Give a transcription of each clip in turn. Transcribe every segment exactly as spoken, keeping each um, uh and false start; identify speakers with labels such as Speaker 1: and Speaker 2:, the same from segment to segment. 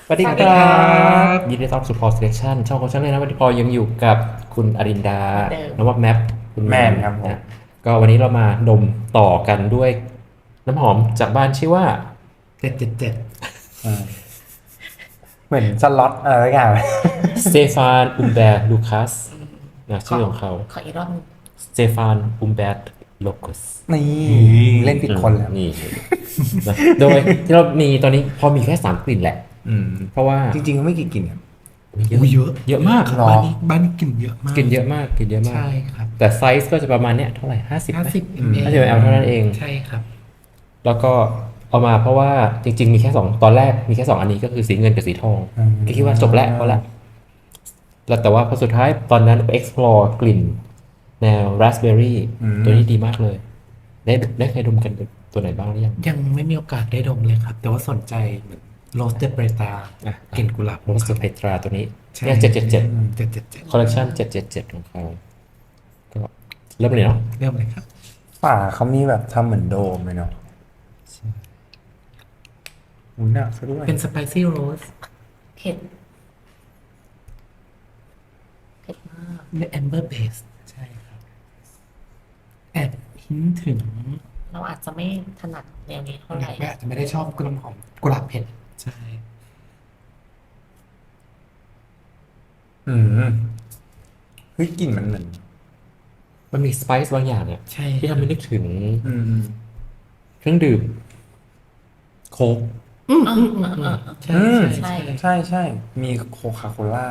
Speaker 1: สวัสดีค
Speaker 2: สวัสดี
Speaker 1: รั
Speaker 2: ครั
Speaker 1: บบ ยินดีต้อนรับสู่ Paul Selection ช่องของฉันเลยนะวันนี้พอยังอยู่กับคุณอรินดา
Speaker 2: เหมือนเดิม
Speaker 1: น้องวับแมปคุณ
Speaker 3: แม
Speaker 1: แม
Speaker 3: น
Speaker 1: น
Speaker 3: ครับผม
Speaker 1: นะก็วันนี้เรามาดมต่อกันด้วยน้ำหอมจากบ้านชื่อว่า
Speaker 2: เจ็ดเจ็ดเจ็ด
Speaker 3: อืมเหมือนสล็อตอะไรสักอย่าง
Speaker 1: สเตฟานอุมเบร์ลูคัสนะชื่อของเขา
Speaker 2: ขออีกรอบหนึ่ง
Speaker 1: สเตฟานอุมเบร์โลคัส
Speaker 3: นี่เล่นผิดคนแล้ว
Speaker 1: นี่นะโดยที่เรามีตอนนี้พอมีแค่สามกลิ่นแหละ
Speaker 3: อืม
Speaker 1: เพราะว่า
Speaker 3: จริงๆก็ไม่กี่กลิ่นครับ
Speaker 2: อุ้ยเยอะ
Speaker 1: เยอะมาก
Speaker 3: หรอ
Speaker 2: บ้านนี้บ้านนี้กลิ่นเยอะมาก
Speaker 1: กลิ่นเยอะมากกลิ่นเยอะมาก
Speaker 2: ใช่ครับ
Speaker 1: แต่ไซส์ก็จะประมาณเนี้ยเท่าไหร่ห้าสิบ
Speaker 2: ห้าสิบ
Speaker 3: อืม
Speaker 2: ml
Speaker 1: ห้าสิบ ml เท่านั้นเอง
Speaker 2: ใช่ครับ
Speaker 1: แล้วก็เอามาเพราะว่าจริงๆมีแค่สองตอนแรกมีแค่สองอันนี้ก็คือสีเงินกับสีทอง
Speaker 3: อืม
Speaker 1: ก็คิดว่าจบแล้วพอละแล้วแต่ว่าพอสุดท้ายตอนนั้นไป explore กลิ่นแนว raspberry ตัวนี้ดีมากเลย ได้ได้เคยดมกันตัวไหนบ้างหรือยัง
Speaker 2: ยังไม่มีโอกาสได้ดมเลยครับ แต่ว่าสนใจเหมือนโรสเตเบรตา
Speaker 1: อ่ะ
Speaker 2: กลิ่นกุหลาบ
Speaker 1: โรสเตอร์เพตราตัวนี้
Speaker 2: ใช่
Speaker 1: เนี่ยเจ็ดเจ็ดเจ็ด
Speaker 2: เจ็ดเจ็ดเจ็ด
Speaker 1: คอลเลคชันเจ็ดเจ็ดเจ็ดของเขาก็เริ่มเลยเนาะ
Speaker 2: เริ่มเลยครับ
Speaker 3: ฝาเขามีแบบทำเหมือนโดมเลยเนาะอุ้ยหนักซะด้วย
Speaker 2: เป็นสไปซี่โรส
Speaker 4: เผ็ดเผ็ดมาก
Speaker 2: ในแอมเบอร์เบสใช่ครับแอบหินถึง
Speaker 4: เราอาจจะไม่ถนัดแนวนี้เท่าไหร่
Speaker 2: อาจจะไม่ได้ชอบกลิ่นหอมกุหลาบเผ็ดใช่
Speaker 3: อืมเฮ้ยกลิ่นมันเหมือน
Speaker 1: มันมีสไปซ์บางอย่างเนี่ย
Speaker 2: ใช่
Speaker 1: ที่ทำให้นึกถึง
Speaker 3: อืม
Speaker 1: เครื่องดื่มโค้ก
Speaker 2: อืม
Speaker 4: อ่า
Speaker 2: อืมอืม
Speaker 4: อ่า
Speaker 2: อื
Speaker 4: อ่าม
Speaker 2: ใช่
Speaker 3: อืม
Speaker 2: ใช่
Speaker 4: ใช่
Speaker 3: ใช่ใช่มีโคคาโคล่า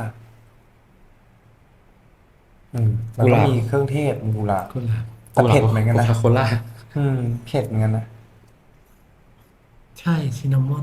Speaker 3: อืมแล้วก็มีเครื่องเทศมีกุหลาบ
Speaker 2: กุหลาบ
Speaker 3: แต่เผ็ดเหมือนกันนะ
Speaker 1: โคคาโคล่า
Speaker 3: อืมเผ็ดเหมือนกันนะ
Speaker 2: ใช่ซินนามอน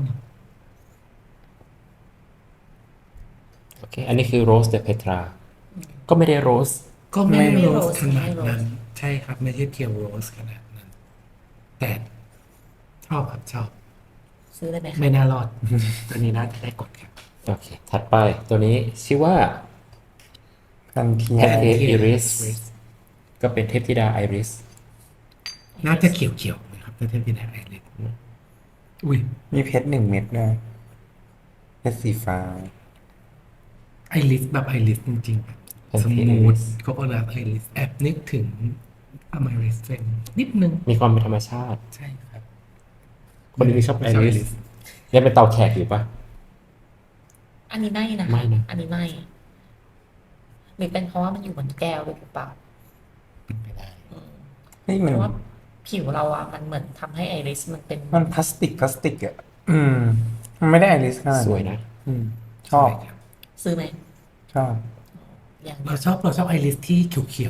Speaker 1: โอเค อันนี้คือโรสเดเพตรา ก็ไม่ได้โรส
Speaker 2: ก็ไม่
Speaker 3: ไม่
Speaker 2: โรสขนาดนั้น ใช่ครับ ไม่ใช่เพียวโรสขนาดนั้น แต่ชอบครับชอบ
Speaker 4: ซื้อเลยไหมคะ
Speaker 2: ไม่น่ารอด ตัวนี้น่าจะได้กดครับ
Speaker 1: โอเค ถัดไปตัวนี้ชื่อว่า
Speaker 3: กันเทีย
Speaker 1: แพนเค้ก
Speaker 2: Pancake
Speaker 1: อิริส
Speaker 2: Iris
Speaker 1: ก็เป็นเทพธิดาไอริส
Speaker 2: น่าจะเขียวๆนะครับถ้าเทียบกับไอริสอุ้ย
Speaker 3: มีเพชรหนึ่งเม็ดด้วยเพชรสีฟ้า
Speaker 2: ไอริสแบบไอริสจริงๆครับส
Speaker 1: Pancake
Speaker 2: มูท
Speaker 1: Iris
Speaker 2: ก็เวลาไอริสแอบนึกถึงอเมริสเฟนนิดนึง
Speaker 1: มีความเป็นธรรมชาติ
Speaker 2: ใช่ครับ
Speaker 1: คนที่ชอบไอ
Speaker 2: ชอบ
Speaker 1: ริสยังเป็นเตาแขกอยู่ปะ
Speaker 4: อันนี้ไม่นะ
Speaker 1: ไม่นะ
Speaker 4: อันนี้ไม่หรือเป็นเพราะว่ามันอยู่บนแก้วด้วยหรือเปล่า
Speaker 2: เป็นไปได้
Speaker 4: อืม
Speaker 3: เฮ้ย
Speaker 4: เพ
Speaker 3: มัน
Speaker 4: ราะว่าผิวเราอะมันเหมือนทำให้ไอริสมันเป็น
Speaker 3: มันพลาสติกพลาสติกอ่ะ อืม มันไม่ได้ไอริสขนาด
Speaker 1: สวยนะ
Speaker 3: อืม ชอบ
Speaker 2: ใช่ครับ
Speaker 4: ซื้อไหม
Speaker 3: ชอบ
Speaker 4: อย่าง
Speaker 2: เราชอบเราชอบไอริสที่เขียว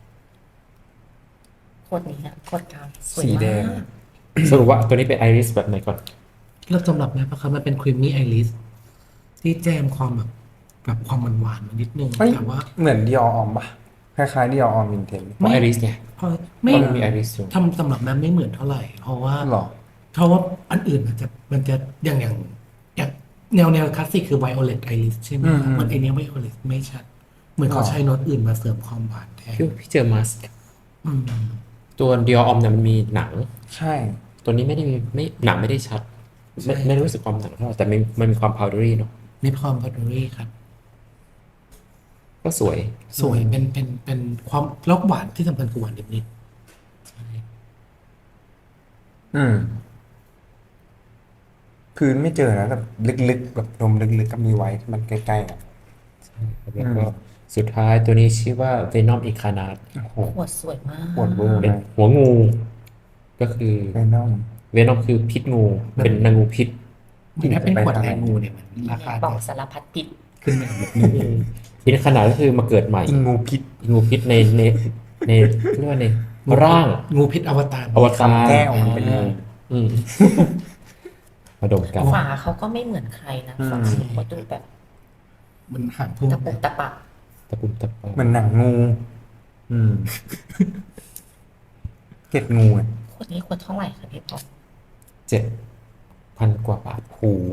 Speaker 4: ขวดนี้อะขวดกลางสวย
Speaker 3: สีแดง
Speaker 4: มาก
Speaker 1: สรุปว่าตัวนี้เป็นไอริสแบบไหนก่อน
Speaker 2: ๆแล้วสำหรับแม่ปะครับมันเป็นครีมมี่ไอริสที่แจมความแบบแบบความหวานๆมานิดนึง
Speaker 3: เฮ้ย
Speaker 2: แต่ว่า
Speaker 3: เหมือนดิออออมปะคล้ายๆดิอออมวินเทน
Speaker 1: เพราะไอริสไง
Speaker 2: พอไม่
Speaker 1: เพราะมันมีไอริสอยู่
Speaker 2: ทำสำหรับแม่ไม่เหมือนเท่าไหร่ เพราะว่า
Speaker 3: หรอ
Speaker 2: เพราะว่าอันอื่นมันจะมันจะอย่างอย่างอย่างแนวแนวคลาสสิกคือไวโอเลตไอริสใช่ไหมครับ
Speaker 3: อืม
Speaker 2: มันไอเนี้ยไวโอเลตไม่ชัด เหมือนเขา
Speaker 3: หรอ
Speaker 2: ใช้โน้ตอื่นมาเสริมความหวานแทน
Speaker 1: พี่พี่เจอมาส
Speaker 2: อืม
Speaker 1: ตัวเดียออมเนี่ยมันมีหนัง
Speaker 3: ใช่
Speaker 1: ตัวนี้ไม่ได้มีไม่หนังไม่ได้ชัด ไม่ไม่รู้สึกความหนังเท่าไหร่แต่มันมันมีความพาวเดอรี่เนาะ
Speaker 2: มีความพอดรี่ครับ
Speaker 1: ก็สวย
Speaker 2: สวยเป็นเป็นเป็นความแล้วหวานที่สำคัญคือหวานนิดๆใช่
Speaker 3: อืม พื้นไม่เจอนะแต่ลึกๆแบบนมลึกๆก็มีไว้ที่มันใกล้ๆอ่ะ
Speaker 1: แล้วก็สุดท้ายตัวนี้ชื่อว่า Venom Incarnate
Speaker 3: โอ้โห
Speaker 4: ขวดสวยมาก
Speaker 3: ปวดเวอร์
Speaker 1: เป็น
Speaker 3: เลย
Speaker 1: หัวงู ก็คือ
Speaker 3: เวนอม
Speaker 1: Venom คือพิษงู เป็นนางงูพิษ
Speaker 2: มันถ้าเป็นขวดแรงงูเนี่ยมันราคา
Speaker 4: บอก
Speaker 2: จะ
Speaker 4: สารพัดพิษ
Speaker 2: ขึ้นมาอีกนิดนึง
Speaker 1: อินขนาดก็คือมาเกิดใหม่
Speaker 3: อิงงูพิษ
Speaker 1: งูพิษในในในเรียกว่าในร่าง
Speaker 2: งูพิษอวตาร
Speaker 1: อวตาร
Speaker 3: คำแก้วมันเป็นงู
Speaker 1: อืม มาดมกัน
Speaker 4: ฝาเขาก็ไม่เหมือนใครนะฝาเขาดูแบบ
Speaker 2: มันหางพุ่ง
Speaker 4: ตะปุกตะปะ
Speaker 1: ตะปุ่มตะปา
Speaker 3: เหมือนหนังงู อืม เกล็ดงูอ่ะ
Speaker 4: ขวดนี้ขวดเท่าไหร่คะพี่ป๊อป
Speaker 1: เจ็ดพันกว่าบาท
Speaker 3: โอ้โห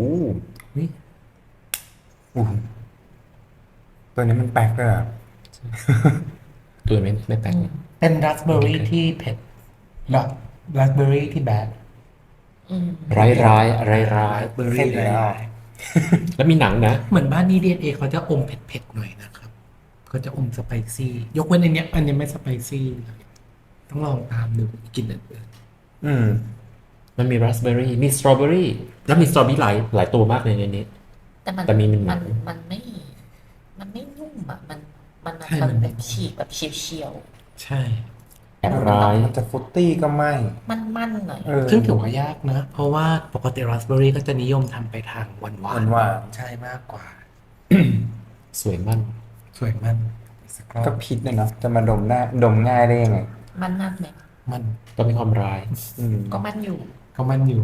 Speaker 3: อู้หูตัวนี้มันแปลกเลยอ่ะ
Speaker 1: ตัวไม่ไม่แปลก
Speaker 2: เป็นราสเบอร์รี่ที่เผ็ดหรอราสเบอร์รี่ที่แบด
Speaker 4: อืม
Speaker 1: ร้ายร้ายร้ายร้าย
Speaker 2: เบอร์
Speaker 3: เผ็
Speaker 2: รี่
Speaker 3: ดแล้ว
Speaker 1: แล้วมีหนังนะ
Speaker 2: เหมือนบ้านนี้ ดี เอ็น เอ เขาจะอมเผ็ดๆหน่อยนะครับเขาจะอมสไปซี่ ยกเว้นอันเนี้ยอันนี้ไม่สไปซี่เลยต้องลองตามดูกินอื่น
Speaker 3: อืม
Speaker 1: มันมีราสเบอร์รี่ มีสตรอเบอรี่ แล้วมีสตรอเบอรี่หลายหลายตัวมากเลยในนี้
Speaker 4: แต่มัน
Speaker 1: แต่มีมันหนั
Speaker 4: มัน
Speaker 1: ง
Speaker 4: มันไม่ มันไม่นุ่มอ่ะ มันมันมันแบบฉีกแบบเฉียว
Speaker 2: ๆใช่
Speaker 1: แอบร้าย
Speaker 3: มันจะฟรุตตี้ก็ไม่
Speaker 4: ๆมันมันๆหน่อย
Speaker 3: เออ
Speaker 2: ซึ่งถือว่ายากนะ เพราะว่าปกติราสเบอร์รี่ก็จะนิยมทำไปทางหวานหวาน
Speaker 3: หวาน
Speaker 2: ใช่มากกว่า
Speaker 1: สวยมั่น
Speaker 2: สวยมันสักรอ
Speaker 3: ก็
Speaker 2: บ
Speaker 3: พิษเลยเนาะจะมาดมได้ดมง่ายได้ยังไง
Speaker 4: มันนั่นเนี่ย
Speaker 2: มัน
Speaker 1: ก็มีความร้าย
Speaker 3: อืม
Speaker 4: ก็มันอยู่
Speaker 2: ก็มันอยู่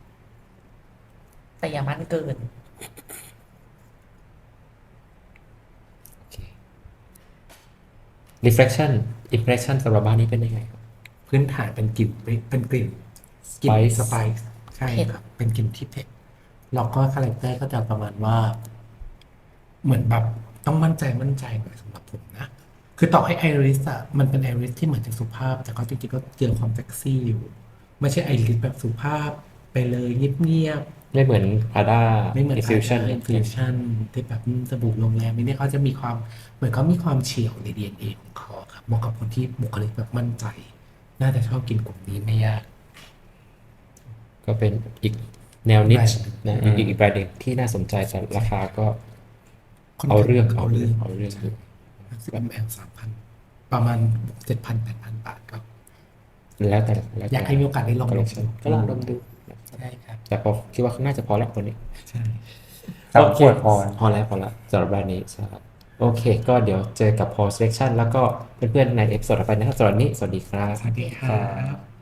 Speaker 4: แต่อย่ามันเกิน
Speaker 1: โอเค reflection impression สำหรับบ้านนี้เป็นยังไงครับ
Speaker 2: พื้นฐานเป็นกลิ่นเป็นกลิ่นกลิ่น
Speaker 1: Spice
Speaker 2: สไปซ์ใช่
Speaker 4: เผ็ด
Speaker 2: ครับ เป็นกลิ่นที่เผ็ดแล้วก็คาแรคเตอร์ก็จะประมาณว่า เหมือนแบบต้องมั่นใจมั่นใจหน่อยสำหรับผมนะ คือต่อให้ไอริสอะมันเป็นไอริสที่เหมือนจะสุภาพ แต่ก็จริงๆก็เจอความเซ็กซี่อยู่ ไม่ใช่ไอริสแบบสุภาพไปเลยเงียบ
Speaker 1: ไม่เหมือนพาด้า
Speaker 2: ๆไม่เหมือน
Speaker 1: infusion
Speaker 2: อินฟิวชั่นที่แบบอืมสบู่โรงแรมนี่เขาจะมีความเหมือนเขามีความเฉียวใน ดี เอ็น เอ ของเขาครับเหมาะกับคนที่บุคลิกแบบมั่นใจ น่าจะชอบกินกลุ่มนี้ไม่ยาก
Speaker 1: ก็เป็นอีกแนวนิช
Speaker 2: แบรนด์
Speaker 1: นะอีกอีกแบรนด์หนึ่งที่น่าสนใจแต่ราคาก็เอาเรื่องเอาเรื่องเอาเรื่องอยู่
Speaker 2: สิบแอลสามพันประมาณเจ็ดพันแปดพันบาทครับ
Speaker 1: แล้วแต่แล้วแต่
Speaker 2: อยากให้มีโอกาสได้ลองดม
Speaker 1: collection ก็ลองดมดู
Speaker 2: ใช่ครับ
Speaker 1: แต่พอคิดว่าน่าจะพอแล้วคนนี้
Speaker 2: ใช่
Speaker 3: สามขวดพอ
Speaker 1: พอแล้วพอแล้วสำหรับแบรนด์นี้ใช่ครับโอเค ก็เดี๋ยวเจอกับ Paul Selection แล้วก็เพื่อนๆในเอพิโซดต่อไปนะครับสำหรับวันนี้สวัสดีครับ
Speaker 2: สวัสดีครับ